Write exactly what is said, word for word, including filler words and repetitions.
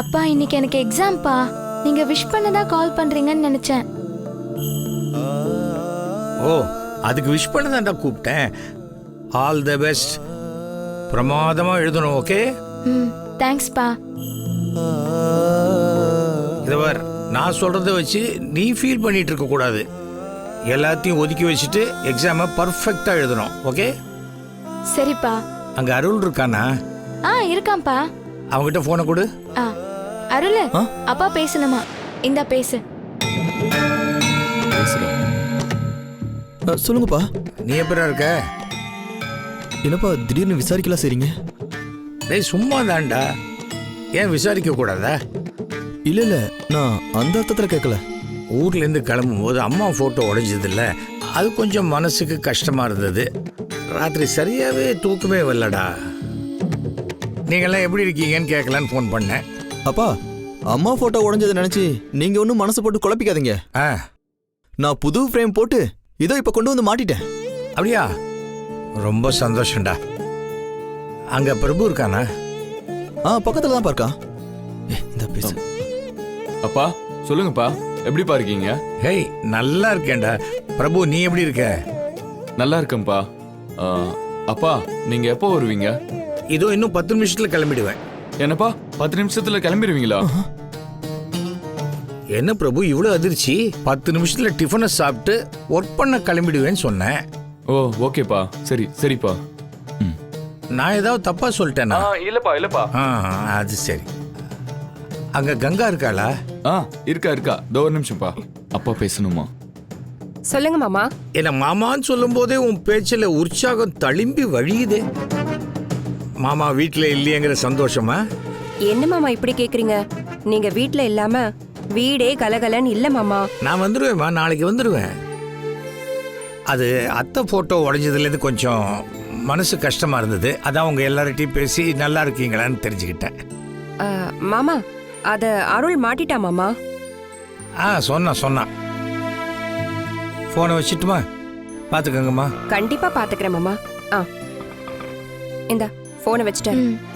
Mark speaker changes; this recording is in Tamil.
Speaker 1: அப்பா இன்னைக்கு எனக்கு எக்ஸாம்பா. நீங்க விஷ் பண்ணதா கால் பண்றீங்கன்னு நினைச்சேன்.
Speaker 2: ஓ, அதுக்கு விஷ் பண்ணதான்டா கூப்பிட்டேன். All the best. பிரமாதமா எழுதணும். ஓகே.
Speaker 1: ம், தேங்க்ஸ் பா.
Speaker 2: இதவர் நான் சொல்றதை வச்சு நீ ஃபீல் பண்ணிட்டு இருக்க கூடாது. எல்லாத்தையும் ஒதுக்கி வச்சுட்டு எக்ஸாமை பர்ஃபெக்டா எழுதணும். ஓகே.
Speaker 1: சரிப்பா.
Speaker 2: அங்க அருள் இருக்கானா?
Speaker 1: ஆ, இருக்காம்பா.
Speaker 2: அவங்கிட்ட போனை கொடு.
Speaker 1: ஆ, அருள், அப்பா பேசணுமா? இந்தா பேசு.
Speaker 3: சொல்லுங்கப்பா.
Speaker 2: நீ எப்படா இருக்க?
Speaker 3: என்னப்பா திடீர்னு விசாரிக்கலாம் சரிங்க?
Speaker 2: டேய் சும்மா தான்டா. ஏன் விசாரிக்க கூடாதா?
Speaker 3: இல்ல இல்ல, நான் அந்த அர்த்தத்துல கேட்கல.
Speaker 2: ஊர்ல இருந்து கிளம்பும் போது அம்மா போட்டோ உடைஞ்சது இல்ல, அது கொஞ்சம் மனசுக்கு கஷ்டமா இருந்தது. ராத்திரி சரியாவே தூக்கமே வரலடா. நீங்கெல்லாம் எப்படி இருக்கீங்கன்னு கேட்கலான்னு ஃபோன் பண்ணேன்.
Speaker 3: அப்பா, அம்மா போட்டோ உடைஞ்சதை நினைச்சு நீங்க ஒன்றும் மனசு போட்டு குழப்பிக்காதீங்க.
Speaker 2: ஆ,
Speaker 3: நான் புது ஃப்ரேம் போட்டு இதோ இப்ப கொண்டு வந்து மாட்டிட்டேன்.
Speaker 2: அப்படியா? ரொம்ப சந்தோஷம்டா. அங்க பிரபு இருக்கானா?
Speaker 3: ஆ, பக்கத்துல தான் பார்க்கா. இந்த பேசு.
Speaker 4: அப்பா சொல்லுங்கப்பா, எப்படிப்பா இருக்கீங்க?
Speaker 2: ஹேய், நல்லா இருக்கேன்டா. பிரபு, நீ எப்படி இருக்க?
Speaker 4: நல்லா இருக்கேன்ப்பா. ஆ, அப்பா நீங்க எப்போ வருவீங்க?
Speaker 2: இதோ இன்னும் பத்து நிமிஷத்துல கிளம்பிடுவேன்.
Speaker 4: என்னப்பா பத்து நிமிஷத்துல கிளம்பிடுவீங்களா?
Speaker 2: என்ன பிரபு இவ்வளவு அதிர்ச்சி? பத்து நிமிஷத்துல டிஃபனை சாப்பிட்டு ஒர்க் பண்ண கிளம்பிடுவேன்னு சொன்னேன்.
Speaker 4: ஓ ஓகேப்பா, சரி சரிப்பா.
Speaker 2: நான் ஏதாவது தப்பா சொல்லிட்டேனா?
Speaker 4: இல்லப்பா இல்லப்பா.
Speaker 2: ஆ, அது சரி. அங்க கங்கா இருக்காளா?
Speaker 4: ஆ, இருக்கா இருக்கா. தோ ஒரு நிமிஷம்ப்பா, அப்பா பேசணுமா?
Speaker 5: சொல்லுங்க மாமா.
Speaker 2: என்ன மாமான்னு சொல்லும் போதே உன் பேச்சில் உற்சாகம் தளிம்பி வழியுதே. மாமா வீட்டுல இல்லையேங்கிற சந்தோஷமா?
Speaker 5: என்ன மாமா இப்படி கேக்குறீங்க? நீங்க வீட்ல இல்லாம வீடே கலகலன்னு இல்ல மாமா.
Speaker 2: நான் வந்துடுவேம்மா, நாளைக்கு வந்துடுவேன். அது அத்தை போட்டோ உடைஞ்சதுலேருந்து கொஞ்சம் மனசு கஷ்டமா இருந்தது. அதான் உங்க எல்லார்ட்டையும் பேசி நல்லா இருக்கீங்களான்னு தெரிஞ்சுக்கிட்டேன்.
Speaker 5: ஆ, மாமா அத அருள் மாட்டிட்டா மாமா.
Speaker 2: ஆ, சொன்னா சொன்னா. போனை வச்சுட்டுமா? பாத்துக்கங்கம்மா.
Speaker 5: கண்டிப்பா பாத்துக்கிறேன் மாமா. ஆ, இந்த போனை வச்சுட்டேன்.
Speaker 1: ம்.